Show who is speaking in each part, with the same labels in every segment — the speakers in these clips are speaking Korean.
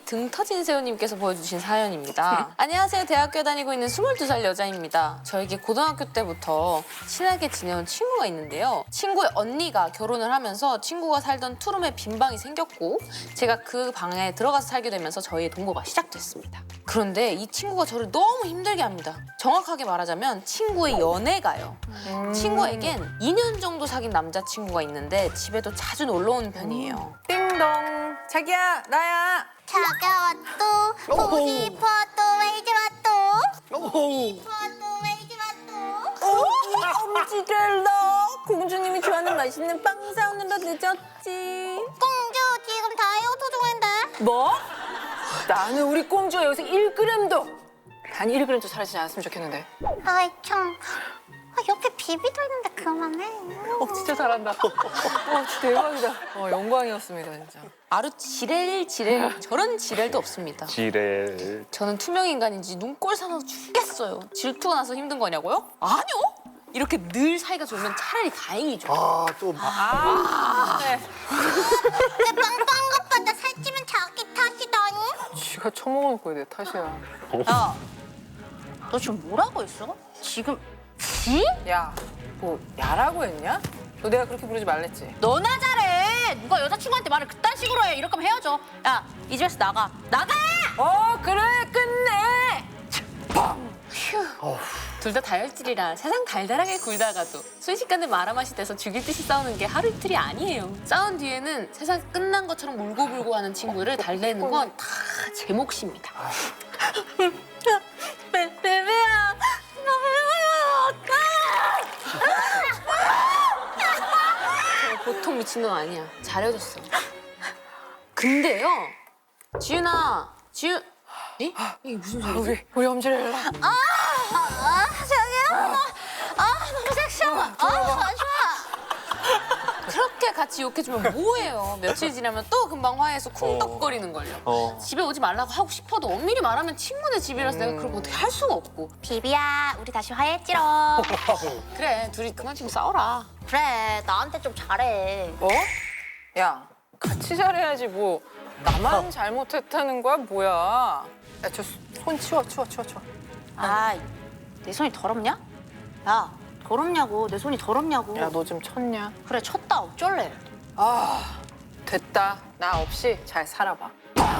Speaker 1: 등 터진 새우님께서 보여주신 사연입니다. 안녕하세요. 대학교 다니고 있는 22살 여자입니다. 저에게 고등학교 때부터 친하게 지내온 친구가 있는데요. 친구의 언니가 결혼을 하면서 친구가 살던 투룸에 빈 방이 생겼고 제가 그 방에 들어가서 살게 되면서 저희의 동거가 시작됐습니다. 그런데 이 친구가 저를 너무 힘들게 합니다. 정확하게 말하자면 친구의 연애가요. 친구에겐 2년 정도 사귄 남자친구가 있는데 집에도 자주 놀러 오는 편이에요.
Speaker 2: 띵동. 자기야, 나야.
Speaker 3: 자기야 또 보고 싶어 또 왜 이제 왔또
Speaker 4: 오호.
Speaker 3: 또 왜 이제 왔또
Speaker 2: 엄지를러. 공주님이 좋아하는 맛있는 빵 사오느라 늦었지.
Speaker 3: 공주 지금 다이어트 중인데
Speaker 2: 뭐? 나는 우리 공주가 여기서 1g도 단 1g도 사라지지 않았으면 좋겠는데.
Speaker 3: 아이 참 옆에 비비도 있는데 그만해
Speaker 2: 진짜 잘한다. 진짜 대박이다. 영광이었습니다, 진짜.
Speaker 1: 아루 지렐 저런 지렐도 없습니다.
Speaker 4: 지레.
Speaker 1: 저는 투명 인간인지 눈꼴 사나서 죽겠어요. 질투가 나서 힘든 거냐고요? 아니요. 이렇게 늘 사이가 좋으면 차라리 다행이죠.
Speaker 4: 또
Speaker 2: 네.
Speaker 3: 내 빵빵 것보다 살찌면 자기 탓이다니
Speaker 2: 쥐가 처먹어놓고 내 탓이야.
Speaker 1: 야, 너 지금 뭐라고 했어? 지금 지?
Speaker 2: 야, 뭐 야라고 했냐? 너 내가 그렇게 부르지 말랬지?
Speaker 1: 너나 잘해. 누가 여자친구한테 말을 그딴 식으로 해. 이럴 거면 헤어져. 야, 이 집에서 나가. 나가!
Speaker 2: 그래, 끝내!
Speaker 1: 둘 다 다혈질이라 세상 달달하게 굴다가도 순식간에 말아맛이 돼서 죽일 듯이 싸우는 게 하루 이틀이 아니에요. 싸운 뒤에는 세상 끝난 것처럼 울고불고 하는 친구를 달래는 건 다 제 몫입니다. 베베야, 저 보통 미친놈 아니야. 잘해줬어. 근데요, 지윤아, 에? 이게 무슨 소리지?
Speaker 2: 우리 엄지를
Speaker 3: 자기야 너무 섹시하다 좋아
Speaker 1: 그렇게 같이 욕해주면 뭐해요. 며칠 지나면 또 금방 화해해서 쿵덕거리는걸요. 집에 오지 말라고 하고 싶어도 엄밀히 말하면 친구네 집이라서 내가 그걸 어떻게 할 수가 없고.
Speaker 3: 비비야 우리 다시 화해했지롱
Speaker 1: 그래, 둘이 그만 좀 싸워라.
Speaker 3: 그래 나한테 좀 잘해
Speaker 2: 야, 같이 잘해야지 뭐. 나만 잘못했다는 거야, 뭐야? 야, 저 손 치워.
Speaker 3: 아, 내 손이 더럽냐? 야, 더럽냐고. 내 손이 더럽냐고.
Speaker 2: 야, 너 좀 쳤냐?
Speaker 3: 그래, 쳤다. 어쩔래?
Speaker 2: 됐다. 나 없이 잘 살아봐.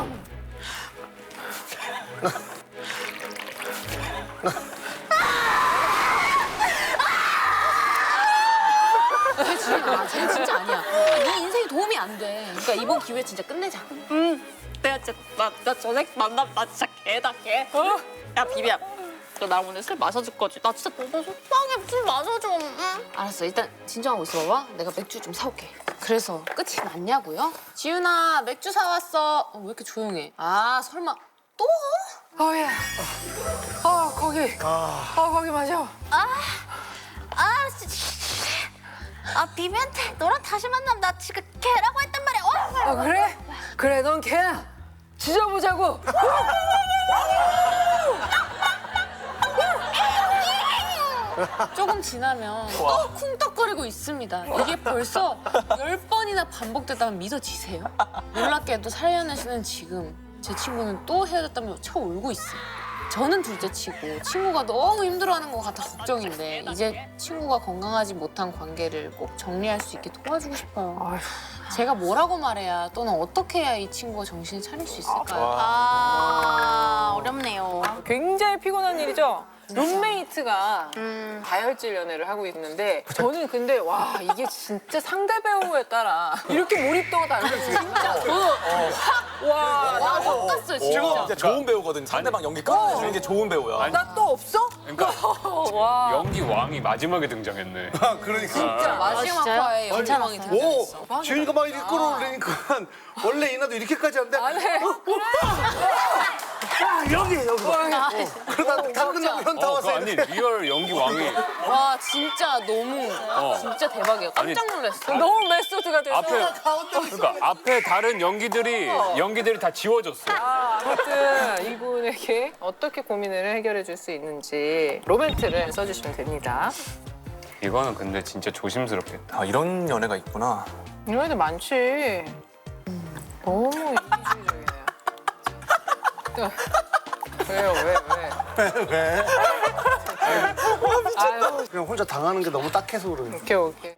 Speaker 1: 쟤는 진짜 아니야. 네 인생에 도움이 안 돼. 그러니까 이번 기회에 진짜 끝내자.
Speaker 5: 내가 진짜 나 전에 만남 나 진짜 개다 개. 야 비비야, 너 나 오늘 술 마셔줄 거지? 나 진짜 너무
Speaker 3: 빵에 술 마셔줘. 응?
Speaker 1: 알았어, 일단 진정하고 있어봐. 내가 맥주 좀 사올게. 그래서 끝이 났냐고요? 지윤아, 맥주 사왔어. 왜 이렇게 조용해? 아, 설마 또?
Speaker 2: 야. 거기. 거기 맞아.
Speaker 3: 비비한테 너랑 다시 만나면 나 지금 걔라고 했단 말이야.
Speaker 2: 그래? 그래, 넌 걔야. 지져보자고.
Speaker 1: 조금 지나면 또 쿵떡거리고 있습니다. 이게 벌써 10번이나 반복됐다면 믿어지세요? 놀랍게도 4년을 지난 지금 제 친구는 또 헤어졌다며 쳐 울고 있어요. 저는 둘째치고 친구가 너무 힘들어하는 것 같아 걱정인데 이제 친구가 건강하지 못한 관계를 꼭 정리할 수 있게 도와주고 싶어요. 제가 뭐라고 말해야 또는 어떻게 해야 이 친구가 정신을 차릴 수 있을까요?
Speaker 3: 어렵네요.
Speaker 2: 굉장히 피곤한 일이죠? 룸메이트가 다혈질 연애를 하고 있는데 저는 근데 와 이게 진짜 상대 배우에 따라 이렇게 몰입도가 다르죠 진짜
Speaker 1: 나 섞었어요
Speaker 6: 지금
Speaker 1: 진짜.
Speaker 6: 진짜 좋은 배우거든. 상대방 연기 끌어내주는 게 좋은 배우야.
Speaker 2: 나 또 없어?
Speaker 7: 그러니까
Speaker 2: 와
Speaker 7: 연기 왕이 마지막에 등장했네.
Speaker 4: 그러니까.
Speaker 1: 진짜 마지막 진짜요? 화에 연장왕이 등장했어.
Speaker 4: 오, 지윤이가 막 이렇게 끌어올리니까 원래 이나도 이렇게까지 하는데.
Speaker 2: 안 해.
Speaker 4: 야, 여기. 그러다 다 끝나고 현타 와서
Speaker 7: 아니
Speaker 4: 이렇게.
Speaker 7: 리얼 연기 왕이
Speaker 1: 와 진짜 너무 진짜 대박이야. 깜짝 놀랐어.
Speaker 2: 너무 메소드가 돼서
Speaker 7: 그러니까 앞에 다른 연기들이 다 지워졌어.
Speaker 2: 아무튼 이분에게 어떻게 고민을 해결해 줄 수 있는지 로맨트를 써주시면 됩니다.
Speaker 7: 이거는 근데 진짜 조심스럽겠다.
Speaker 6: 아, 이런 연애가 있구나.
Speaker 2: 이런 애들 많지. 너무 이기주의적이네요. 왜요 왜?
Speaker 4: 그냥 혼자 당하는 게 너무 딱해서 그러는
Speaker 2: 오케이.